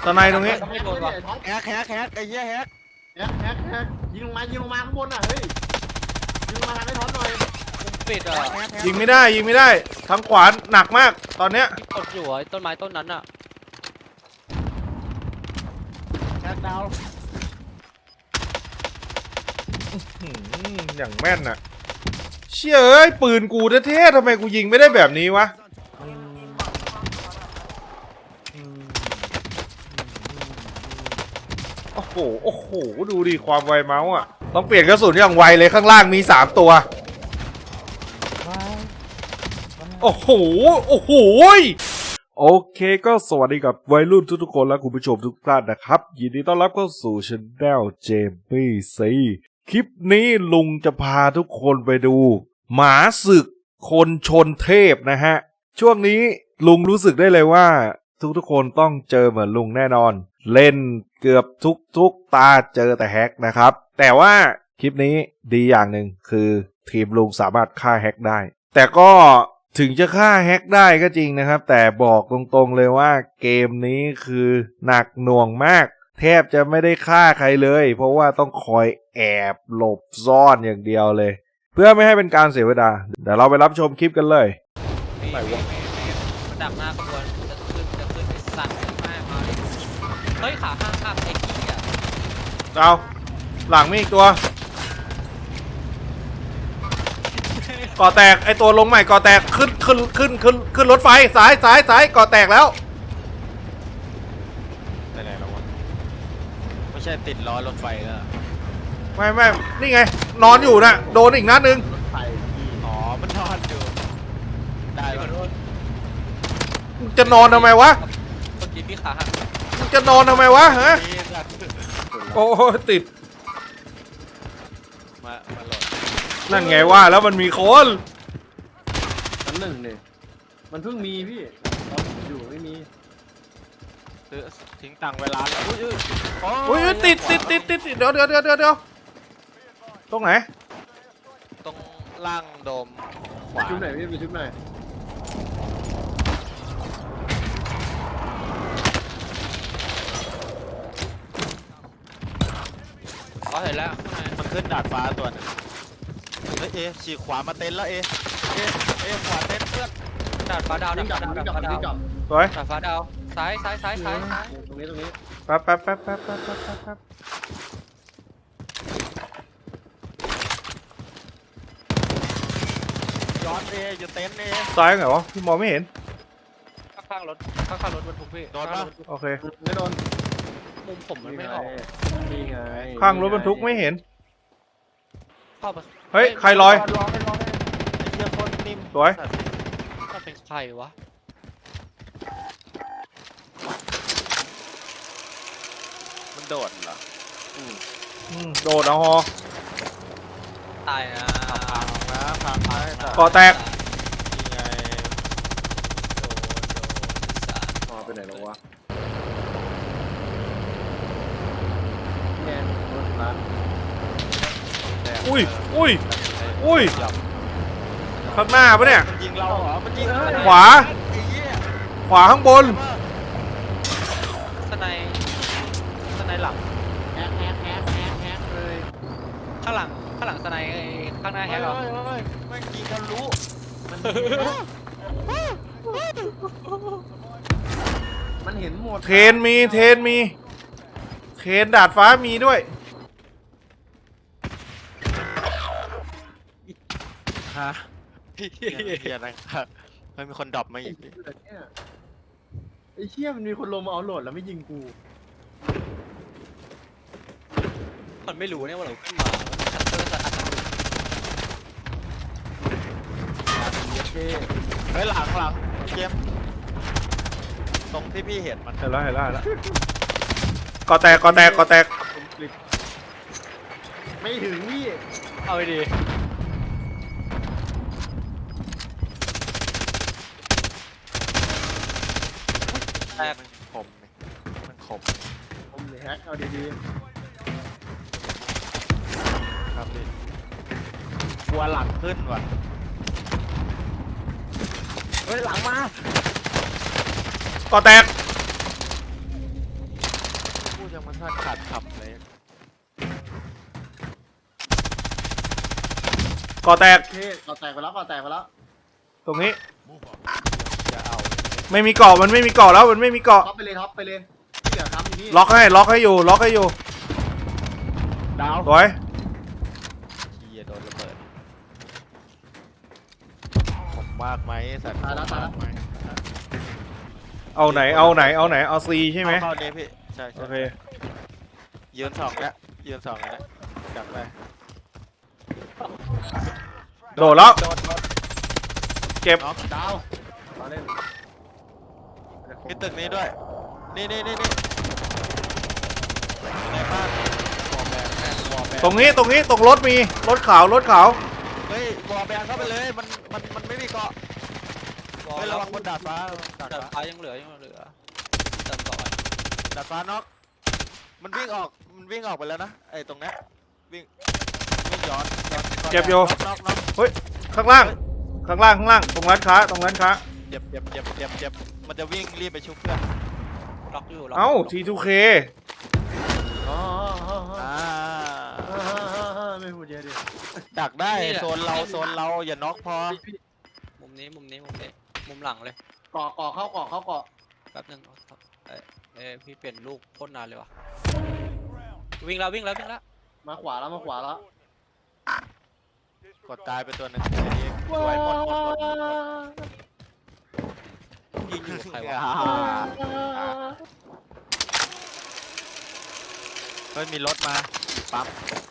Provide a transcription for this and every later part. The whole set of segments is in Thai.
ตอนในตรงนี้ไม่โดนว่ะแฮกไอ้เหี้ยแฮกแฮกยิงลงมาข้างบนอ่ะเฮ้ยยิงลงมาทางไอ้ท็อปหน่อยปิดอ่ะยิงไม่ได้ทางขวาหนักมากตอนเนี้ยที่กดอยู่ไอ้ต้นไม้ต้นนั้นอ่ะแฮกดาวอย่างแม่นน่ะเชี่ยเอ้ยปืนกูเท่ๆทำไมกูยิงไม่ได้แบบนี้วะโอ้โหดูดิความไวเมาส์อ่ะต้องเปลี่ยนกระสุนอย่างไวเลยข้างล่างมี3ตัวโอ้โหโอเคก็สวัสดีกับวัยรุ่นทุกๆคนและคุณผู้ชมทุกท่านนะครับยินดีต้อนรับเข้าสู่ช anel เจมมี่ซีคลิปนี้ลุงจะพาทุกคนไปดูหมาศึกคนชนเทพนะฮะช่วงนี้ลุงรู้สึกได้เลยว่าทุกคนต้องเจอเหมือนลุงแน่นอนเล่นเกือบทุกตาเจอแต่แฮกนะครับแต่ว่าคลิปนี้ดีอย่างหนึ่งคือทีมลุงสามารถฆ่าแฮกได้แต่ก็ถึงจะฆ่าแฮกได้ก็จริงนะครับแต่บอกตรงๆเลยว่าเกมนี้คือหนักหน่วงมากแทบจะไม่ได้ฆ่าใครเลยเพราะว่าต้องคอยแอบหลบซ่อนอย่างเดียวเลยเพื่อไม่ให้เป็นการเสียเวลาเดี๋ยวเราไปรับชมคลิปกันเลยไม่มันดักหน้าขบวนจะขึ้นไอ้สัตว์มากมาเลยเฮ้ยขาข้างข้ามไอ้ขี้อ่ะเอาหลังมีอีกตัวก่อแตกไอตัวลงใหม่ก่อแตกขึ้นรถไฟสายก่อแตกแล้วไปไหนแล้ววะไม่ใช่ติดล้อรถไฟแล้วไม่นี่ไงนอนอยู่นะโดนอีกนัดนึงรถไฟพี่อ๋อมันนอนอยู่ได้ปะมึงจะนอนทำไมวะเมื่อกี้พี่ขาหักมึงจะนอนทำไมวะฮะนี่สัตว์โอ้ติดมาโหลดนั่นไงว่าแล้วมันมีคนชั้นหนึ่งเนี่ยมันเพิ่งมีพี่ตอนผมอยู่ไม่มีซื้อทิ้งตังค์เวลาแล้วอุ้ยอุ้ยติดเดี๋ยวตรงไหนตรงล่างโดมขวาชุดไหนพี่ไปชุดไหนอ๋อเห็นแล้วข้างในมันขึ้นดาดฟ้าตัวนึงเฮ้ยฉีกขวามาเต็นท์แล้วขวาเต็นท์เพื่อนดาดฟ้าดาววิ่งกลับดาวิ่ดงกลับฟ้าดาววิ่งกลับสวยดาดฟ้าดาวซ้ายตรงนี้แป๊บย้อนอยู่เต็นท์ซ้ายไงวะพี่มองไม่เห็นข้างรถบรรทุกพี่โดนปะโอเคไม่โดนมุมผมมันไม่ออกนี่ไงข้างรถบรรทุกไม่เห็นเข้าไปเฮ้ยใครลอยไอ้เหี้ยโคตรนิ่มสวยมันเป็นใครวะมันโดดเหรอโดดเอาฮอตายนะพังนะแต่ก่อแตกนี่ไงพอไปไหนแล้ววะแง่รถร้านอุ้ยข้างหน้าปะเนี่ยมันยิงเราเหรอมันยิงขวาไอ้เหี้ยขวาข้างบนสไนหลังแฮกเลยข้างหลังสไนข้างหน้าแฮกเหรอไม่ยิงทะลุมันเห็นหมดเทรนมีเทรนดาดฟ้ามีด้วยฮะเหี้ยนะครับไม่มีคนดรอปมาอีกไอ้เชี่ยมันมีคนลงมาเอาโหลดแล้วไม่ยิงกูมันไม่รู้เนี่ยว่าเราขึ้นมาชัตเตอร์สถานเฮ้ยหลังเกมตรงที่พี่เห็นมันเห็นแล้วก่อแตกไม่ถึงพี่เอาไปดีแตกมันคมผมเลยแฮกเอาดีครับพี่กลัวหลังขึ้นว่ะๆเฮ้ยหลังมาก่อแตกทันขาดคำเลยก่อแตกโอเคก่อแตกไปแล้วก่อแตกไปแล้วตรงนี้จะเอาไม่มีเกาะมันไม่มีเกาะแล้วมันไม่มีเกาะท็อปไปเลยท็อปไปเลยที่เหลือครับอยู่นี่ล็อกให้อยู่ล็อกให้อยู่ดาวสวยเฮียโดนระเบิดผมมากไหมสัตว์ตายแล้วตายแล้วมากไหมเอาไหนเอาซีใช่ไหมเข้าเนี่ยพี่ใช่โอใช่เคยืนสองแล้วยืนสองแล้วจับไปโดดแล้วโดดเก็บน็อกดาวมาเล่นมีตึกนี้ด้วยนี่ในบ้านวอลแบนวอลแบนตรงนี้ตรงรถมีรถขาวเฮ้ยวอลแบนเข้าไปเลยมันไม่มีเกาะวอลเฮ้ยระวังบนดาดฟ้าดาดดาดฟ้าฟ้ายังเหลือเติมต่อดาดฟ้าน็อกมันวิ่งออกไปแล้วนะไอ้ตรงนี้วิ่งย้อนเจ็บอยู่น็อกข้างล่างตรงร้านค้าเจ็บมันจะวิ่งรีบไปชุบเพื่อนล็อกอยู่ล็อกเอ้า T2K อ๋ออ่าไม่พูดเยอะดิดักได้โซนเราอย่าน็อกพอมุมนี้มุมหลังเลยเกาะเข้าเกาะเข้าเกาะแป๊บนึงพี่เปลี่ยนลูกโคตรนานเลยวะวิ่งแล้วมาขวาแล้วกดตายไปตัวหนึงสวยหมดยิงอยู่ใครวะเฮ้ยมีรถมาปั๊ม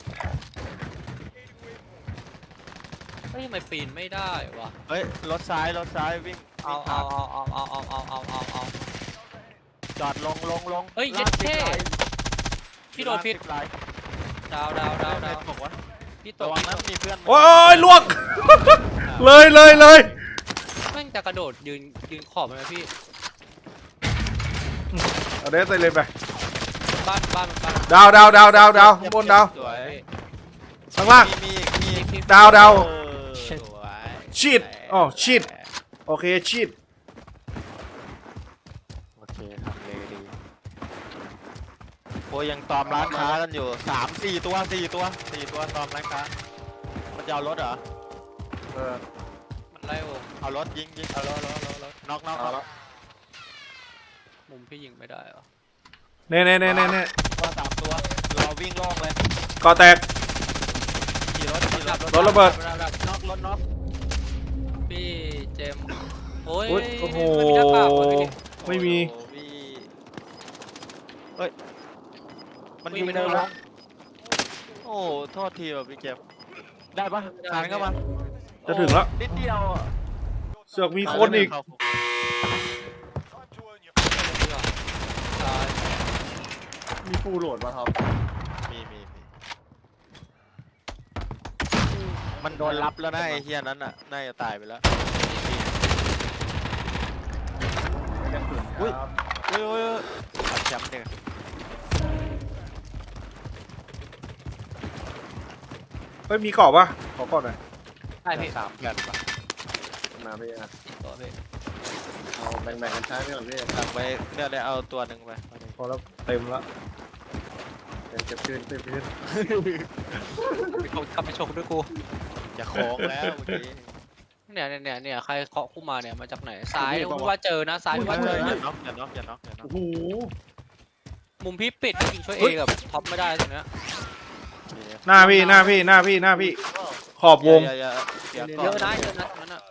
เฮ้ยทำไมปีนไม่ได้วะเฮ้ยรถซ้ายวิ่งเอาจอดลงเฮ้ยเย็ดเท่พี่โดนพิษลายดาวบอกว่าพี่ตระกวังนะมีเพื่อนโอ้ยลวก เลยแม่งจะกระโดดยืนขอบมันไหมพี่เอาเดสเลยไปบ้านดาวบนดาวสวยข้างล่างมีอีกดาวเออสวยชีดอ๋อชีด โอเคชีดโอเคทำเลยดีโอ้ยยังตอมร้านค้ากันอยู่4 ตัวตอมร้านค้ามันจะเอารถเหรอมันไล่วงเอารถยิงเอารถน็อกมุมพี่ยิงไม่ได้เหรอเน่ตัว3 ตัวเราวิ่งโล่งเลยก่อแตกขี่รถรถระเบิดน็อกพี่เจมส์โอ้ยอุ๊ยโอ้โหมันมีหน้ากากวะพี่ไม่มีโอ้โหเฮ้ยมันวิ่ยิงงไม่ไม่ได้ได้หรแล้อวโอ้โทษทีว่ะพี่เก็บได้ปะสานเข้ามาจะถึงแล้วนิดเดียวอะเสือกมีคนอีกตายมีฟูลโหลดมาท็อปมีมันโดนรับแล้วนะไอ้เฮียนั้นน่ะน่าจะตายไปแล้วกระสุนอุ๊ยครับโอ้ยขัดแชมป์เนี่ยเฮ้ยมีเกาะปะขอก่อนหน่อยใช่พี่ 3 แผ่นปะมาพี่อ่ะตัวพี่เอาแบ่งกันใช้ไปก่อนพี่สั่งไปเนี่ยได้เอาตัวหนึ่งไปพอแล้วเต็มแล้วเก็บคืนกลับไปชกด้วยกูจะโค้งแล้วเมื่อกี้เนี่ยใครเคาะคู่มาเนี่ยมาจากไหนซ้ายพี่ว่าเจอนะซ้ายพี่ว่าเจออย่านะน็อกอย่าน็อกโอ้โหมุมพี่ปิดจริงช่วยเอกับท็อปไม่ได้ตรงเนี้ยหน้าพี่ขอบวงอย่าเยอะนะตรงนั้นอ่ะ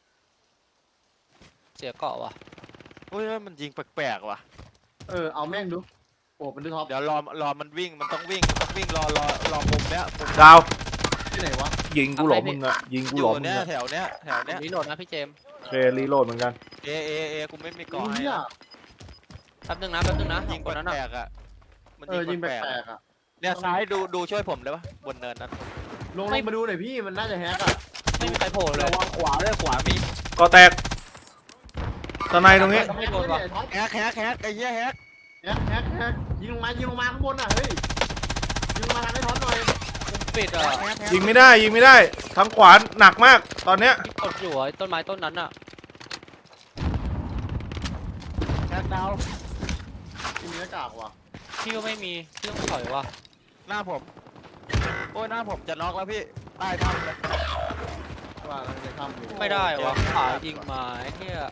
เสียเกาะว่ะโอ้ยมันยิงแปลกๆว่ะเอาแม่งดูโอ้เป็นดูท็อปเดี๋ยวรอมันวิ่งมันต้องวิ่งรอมุมเนี้ยมุมดาวที่ไหนวะยิงกูหลอมมึงอะยิงกูอหลยู่อมมึงเนี้ยอะแถวเนี้ยรีโหลดนะพี่เจมส์โอเครีโหลดเหมือนกันเอกูไม่มีเกาะไอ้ให้เหี้ยแป๊บนึงนะยิงคนนั้นแปอ่ะลกๆอ่ะมันยิงแปแปลกลกๆอ่ะๆเนี่ยซ้ายดูช่วยผมเลยปะบนเนินนั้นลงมาดูหน่อยพี่มันน่าจะแฮกอ่ะไม่มีใครโผล่เลยระวังขวาด้วยขวามีก่อแตกสไนตรงนี้ไม่โดนว่ะแฮกไอ้เหี้ยแฮกแฮกยิงลงมาข้างบนอ่ะเฮ้ยยิงลงมาทางไอ้ท็อปหน่อยมุมปิดอ่ะยิงไม่ได้ทางขวาหนักมากตอนเนี้ยที่กดอยู่ไอ้ต้นไม้ต้นนั้นอ่ะแฮกดาวมีหน้ากากว่ะพี่ก็ไม่มีพี่ต้องถอยว่ะหน้าผม โอ้ยหน้าผมจะน็อกแล้วพี่ใต้ถ้ำเลยว่าเราจะทำอยู่ไม่ได้วะขายิงมาไอ้เหี้ย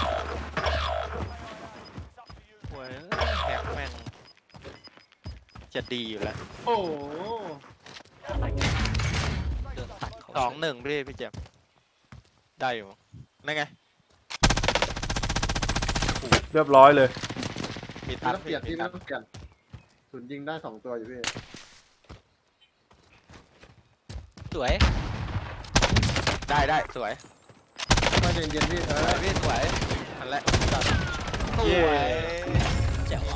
โอ้ยแฮกแม่งจะดีอยู่แล้วโอ้โหเดินตัดเขา 2-1พี่เจมส์ได้อยู่นั่นไงเรียบร้อยเลยมีไม่ตัดต้องเปลี่ยนพี่ไม่ต้องเปลี่ยนศูนย์ยิงได้2 ตัวอยู่พี่สวยได้สวยก็เย็นๆพี่สวยพี่สวยอันแรกสเย้วยแจ๋ว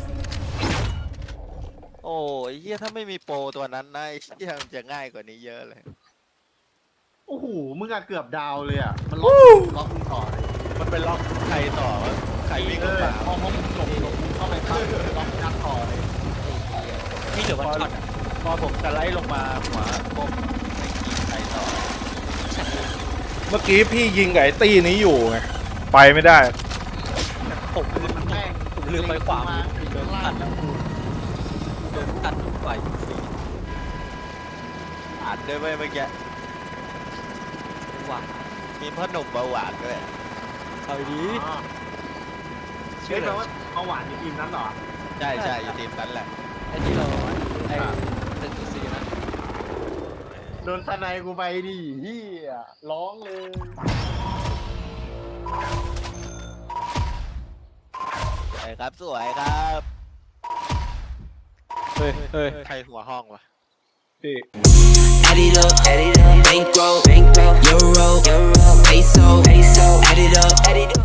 โอ้ยเฮียถ้าไม่มีโปรตัวนั้นนะไอ้เฮียมันจะง่ายกว่านี้เยอะเลยโอ้โหมึงอะเกือบดาวเลยอะมันล็อกมึงต่อเลยมันเป็นล็อกใครต่อวะใครวิ่งเอเข้าอมาพอมึงหลบมึงเข้าไปปั๊บล็อกยัดต่อเลยพี่เหลือวันช็อตอะพอผมสไลด์ลงมาหัวก้มไม่กินใครต่อเมื่อกี้พี่ยิงกับไอ้ตี้นี้อยู่ไงไปไม่ได้ผมมันแม่งลืมไปขวามาโดนตัดแล้วโดนตัดทุกฝ่ายอ่านด้วยเว้ยเมื่อกี้หวังมีพ่อหนุ่มเบาหวานด้วยเอาดีอ๋อเชื่เชื่ออเลไหมยว่าเบาหวานในทีมนั้นเหรอใช่อยู่ทีมนั้นแหละไอ้ที่เราไอ้1.4นะโดนทนายกูไปดิเฮียร้องเลยสวยครับสวยครับเฮ้ยเฮ้ยใครหัวห้องวะพี่ Add it up, bankroll, euro, peso, add it up,